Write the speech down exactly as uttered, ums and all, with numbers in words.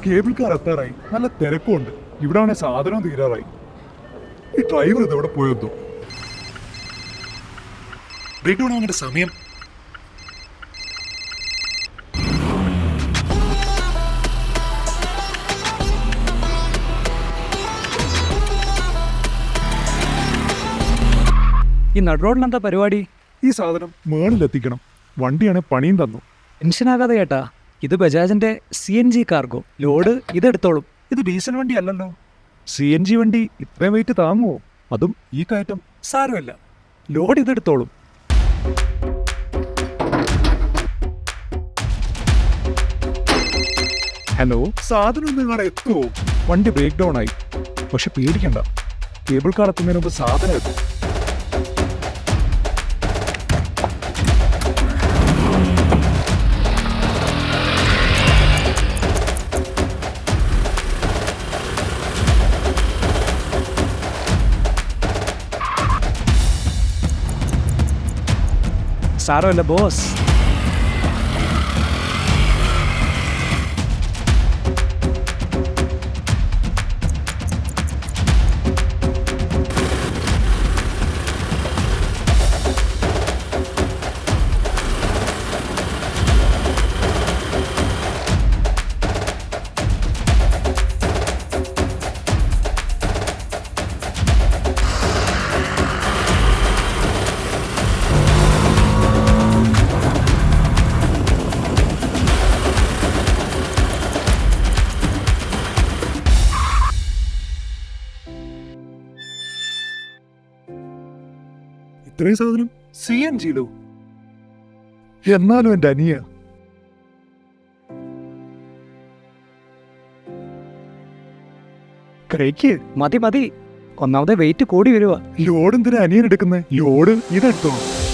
Cable car എത്താറായി. നല്ല തിരക്കുണ്ട്. ഇവിടെ ആണെ സാധനം തീരാറായി. ഈ ഡ്രൈവർ ഇതെവിടെ പോയതോ? ബ്രേക്ക് ഡൗൺ ആവേണ്ട സമയം. ഈ നടുറോഡിൽ എന്താ പരിപാടി? ഈ സാധനം മേളിലെത്തിക്കണം. വണ്ടിയാണ് പണിയും തന്നു. ടെൻഷനാകാതെ ചേട്ടാ, ഇത് ബജാജിന്റെ C N G cargo. Load ഇതെടുത്തോളും. ഇത് ഡീസൽ വണ്ടി അല്ലല്ലോ. സി എൻ ജി വണ്ടി ഇത്രയും വെയിറ്റ് താങ്ങുമോ? അതും ഈ കയറ്റം. സാരമില്ല, ലോഡ് ഇതെടുത്തോളും. ഹലോ, സാധനം നിങ്ങളെ എത്തുമോ? വണ്ടി ബ്രേക്ക് ഡൗൺ ആയി. പക്ഷെ പേടിക്കണ്ട, കേബിൾ കാർ എത്തുന്നതിന് മുമ്പ് സാധനം എത്തും. സാരമില്ല ബോസ്. ഇത്രയും സാധനം സി എൻ ജിയിലോ? എന്നാലും എന്റെ അനിയ. കഴിക്ക്. മതി മതി, ഒന്നാമതെ വെയിറ്റ് കൂടി വരുക. ലോഡ് എന്തിനാ അനിയൻ എടുക്കുന്നത്? ലോഡ് ഇതെടുത്തോ.